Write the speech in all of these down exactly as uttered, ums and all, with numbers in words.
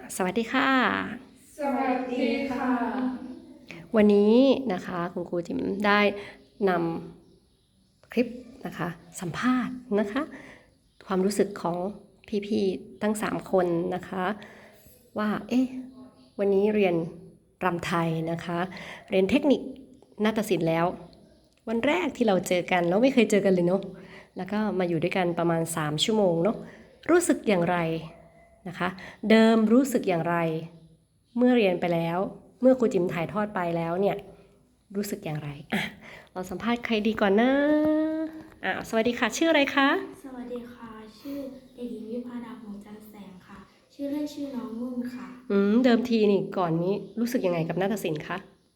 สวัสดีค่ะสวัสดีค่ะวันนี้นะคะคุณครูจิมได้นำคลิปนะคะสัมภาษณ์นะคะความรู้สึกของพี่ๆตั้งสามคนนะคะว่าเอ๊ะวันนี้เรียนรำไทยนะคะเรียนเทคนิคนาฏศิลป์แล้ววันแรกที่เราเจอกันเราไม่เคยเจอกันเลยเนาะแล้วก็มาอยู่ด้วยกันประมาณสามชั่วโมงเนาะรู้สึกอย่างไรนะคะเดิมรู้สึกอย่างไรเมื่อเรียนไปแล้วเมื่อครูจิ๋มถ่ายทอดไปแล้วเนี่ยรู้สึกอย่างไรอ่ะเราสัมภาษณ์ใครดีก่อนนะอ่ะสวัสดีค่ะชื่ออะไรคะสวัสดีค่ะ ชื่อเด็กหญิงวิภาดาหงส์จันทร์แสงค่ะ ชื่อเล่นชื่อน้องนุ่นค่ะอืมเดิมทีนี่ก่อนนี้รู้สึกยังไงกับนาฏศิลป์คะ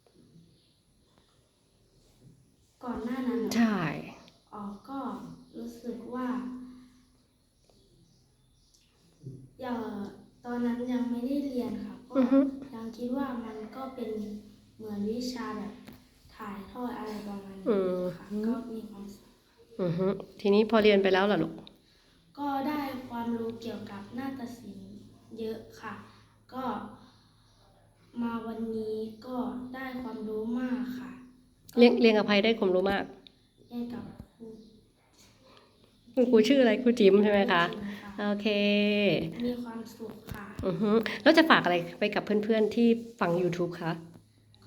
ก่อนหน้านั้นเหรอใช่อ๋อก็รู้สึกว่าอย่าตอนนั้นยังไม่ได้เรียนค่ะ ก็อือฮึยังคิดว่ามันก็เป็นเหมือนวิชาแบบถ่ายทอดอะไรประมาณอืนี้มค่ะ ก็มีความสุขอือฮึทีนี้พอเรียนไปแล้วล่ะลูกก็ได้ความรู้เกี่ยวกับนาฏศิลป์เยอะค่ะ ก็มาวันนี้ก็ได้ความรู้มากค่ะเรียงเรียงอภัยได้ความรู้มากเรียนกับครูคุณครูชื่ออะไรครูจิ๋มใช่ไหมคะจริงๆค่ะโอเคมีความสุขค่ะอือฮึแล้วจะฝากอะไรไปกับเพื่อนๆที่ฟัง YouTube คะก็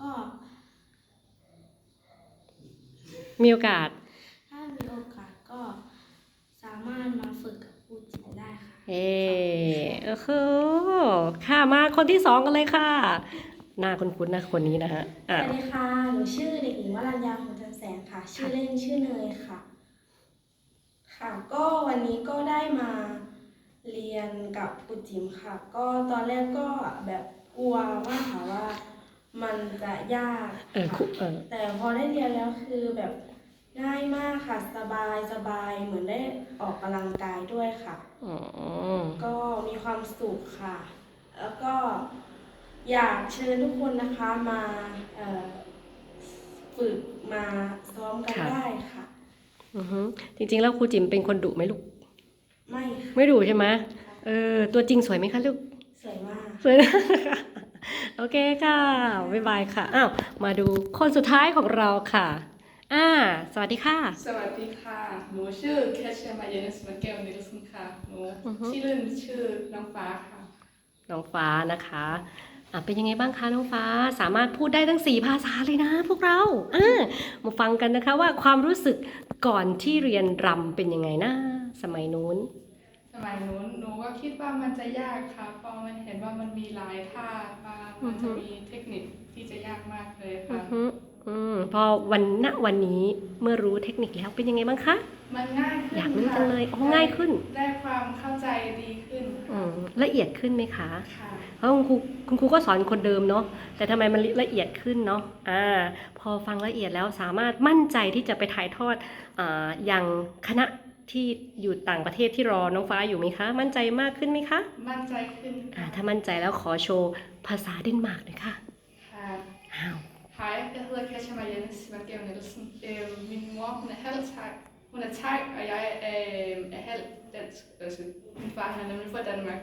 มีโอกาสถ้ามีโอกาสก็สามารถมาฝึกกับครูจิ๋มได้ค่ะเอโอ้โหค่ะมาคนที่สองกันเลยค่ะ หน้าคุ้นๆนะคนนี้นะฮะสอ่ะวัสดีค่ะ หนูชื่อเด็กหญิงวรัญญาหงส์จันทร์แสงค่ะ ชื่อเล่นชื่อเนยค่ะ ค่ะ ก็วันนี้ก็ได้มาเรียนกับครูจิ๋มค่ะ ก็ตอนแรกก็แบบกลัวมากค่ะว่ามันจะยากเออครูค่ะเออแต่พอได้เรียนแล้วคือแบบง่ายมากค่ะ สบายสบายเหมือนได้ออกกำลังกายด้วยค่ะอ๋อก็มีความสุขค่ะ แล้วก็อยากเชิญทุกคนนะคะมาเอ่อฝึกมาซ้อมกันค่ะได้ค่ะอือฮึจริงๆแล้วครูจิ๋มเป็นคนดุไหมลูกไม่ค่ะไม่ดุใช่ไหมเออตัวจริงสวยไหมคะลูกสวยมากสวยนะ โอเคค่ะบ๊ายบายค่ะอ้าวมาดูคนสุดท้ายของเราค่ะอ่าสวัสดีค่ะสวัสดีค่ะ หนูชื่อแคชเชียร์มาเยนสมาเกลนิลสันค่ะ หนูอือฮึชื่อเล่นชื่อน้องฟ้าค่ะน้องฟ้านะคะอ่ะเป็นยังไงบ้างคะน้องฟ้าสามารถพูดได้ทั้งสี่ภาษาเลยนะพวกเราอ่ามาฟังกันนะคะว่าความรู้สึกก่อนที่เรียนรำเป็นยังไงนะสมัยนู้นสมัยนู้นหนูก็คิดว่ามันจะยากค่ะเพราะมันเห็นว่ามันมีหลายท่ามากมันจะมีเทคนิคที่จะยากมากเลยอืค่ะอฮึอืมพอวันณวันนี้เมื่อรู้เทคนิคแล้วเป็นยังไงบ้างคะมันง่ายขึ้นอยากรู้ค่ะจังเลยอ๋อง่ายขึ้นได้ความเข้าใจดีขึ้นอืค่ะมละเอียดขึ้นไหมคะค่ะเพราะคุณครูคุณครูก็สอนคนเดิมเนาะแต่ทำไมมันละเอียดขึ้นเนาะอ่าพอฟังละเอียดแล้วสามารถมั่นใจที่จะไปถ่ายทอดอ่าอย่างคณะที่อยู่ต่างประเทศที่รอน้องฟ้าอยู่ไหมคะ มั่นใจมากขึ้นไหมคะมั่นใจขึ้นอ่าค่ะถ้ามั่นใจแล้วขอโชว์ภาษาเดนมาร์กหน่อยค่ะค่ะอ้าว Hej, jeg hedder Katja Marianne Svandgaard Nielsen. Øh, min mor hun er halv thai, hun er thai, og jeg er, er halv dansk. Altså, min far han er nemlig fra Danmark.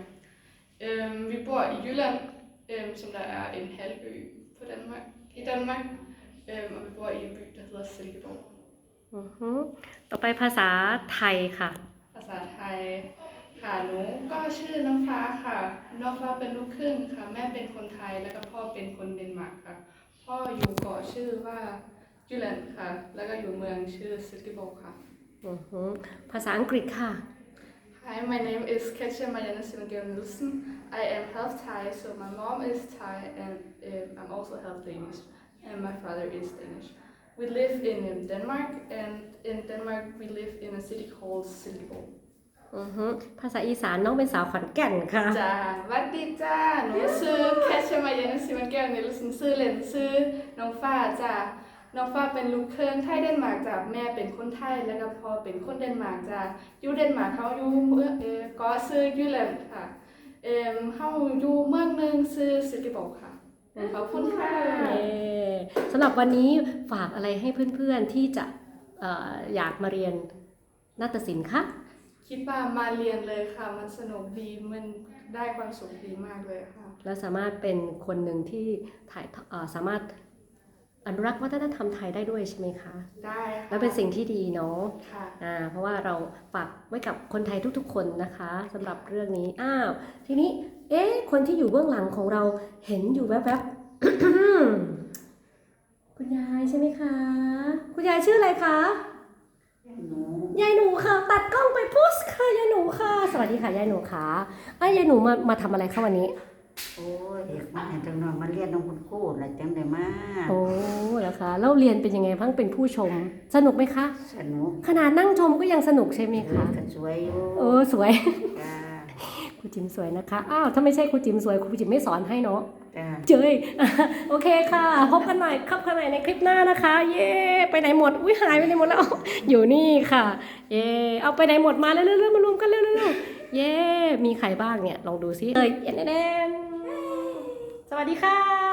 Øh, vi bor i Jylland, øh, som der er en halvø på Danmark, i Danmark. Øh, og vi bor i en by, der hedder Silkeborg. อือฮึต่อไปภาษาไทยค่ะภาษาไทยค่ะหนูก็ชื่อน้องฟ้าค่ะน้องฟ้าเป็นลูกครึ่งค่ะแม่เป็นคนไทยแล้วก็พ่อเป็นคนเดนมาร์กค่ะพ่ออยู่เกาะชื่อว่าจูแลนด์ค่ะแล้วก็อยู่เมืองชื่อซิลกิโบค่ะอือฮึภาษาอังกฤษค่ะ Hi, my name is Katja Marianne Svandgaard Nielsen. I am half Thai, so my mom is Thai and um, I'm also half Danish, and my father is Danish. We live in um, Denmark, and in Denmark we live in a city called Silkeborg. อือฮึภาษาอีสานน้องเป็นสาวขอนแก่นค่ะจ้าหวัดดีจ้า หนูชื่อแคชเชอร์มาเยนซิมันแก้วนิลสันชื่อเล่นชื่อน้องฟ้าจ้า น้องฟ้าเป็นลูกครึ่งไทยเดนมาร์กจ้าแม่เป็นคนไทยแล้วก็พ่อเป็นคนเดนมาร์กจ้าอยู่เดนมาร์กเขาอยู่เมืองเออก็ชื่อยูแลนด์ค่ะเอ่อเขาอยู่เมืองหนึงชื่อซิลกิบอกค่ะขอบคุณค่ะเย้สำหรับวันนี้ฝากอะไรให้เพื่อนๆที่จะเอ่ออยากมาเรียนนาฏศิลป์คะคิดว่ามาเรียนเลยค่ะ มันสนุกดี มันได้ความสุขดีมากเลยค่ะแล้วสามารถเป็นคนหนึ่งที่ถ่ายเอ่อสามารถอนุรักษ์วัฒนธรรมไทยได้ด้วยใช่ไหมคะได้ค่ะแล้วเป็นสิ่งที่ดีเนาะค่ะอ่าเพราะว่าเราฝากไว้กับคนไทยทุกๆ คนนะคะสำหรับเรื่องนี้อ้าวทีนี้เอ๊ะคนที่อยู่เบื้องหลังของเราเห็นอยู่แวบๆ คุณยายใช่ไหมคะ คุณยายชื่ออะไรคะยายหนูค่ะตัดกล้องไปพุชค่ะยายหนูค่ะ สวัสดีค่ะยายหนูค่ะอ้ายายหนูมามาทำอะไรคะวันนี้โอ้ยเด็กมาจังน้อยมาเรียนน้องคุณครูน่ะจังได้มาโอ้แล้วคะแล้วเรียนเป็นยังไงบ้างเป็นผู้ชม สนุกไหมคะสนุกขนาดนั่งชมก็ยังสนุกใช่ไหมคะก็สวยอยู่โอ้สวยจ้าครูจิมสวยนะคะ อ้าวถ้าไม่ใช่ครูจิมสวยครูจิมไม่สอนให้เนาะจ้าเจย โอเคค่ะ พบกันใหม่ครับกันใหม่ในคลิปหน้านะคะ เย้ไปไหนหมด อุ้ยหายไปไหนหมดแล้ว อยู่นี่ค่ะ เย้เอาไปไหนหมดมาเร็วๆๆมารวมกันเร็วๆๆเย้มีใครบ้างเนี่ย ลองดูซิเอ้ยเอ็นเอ็นสวัสดีค่ะ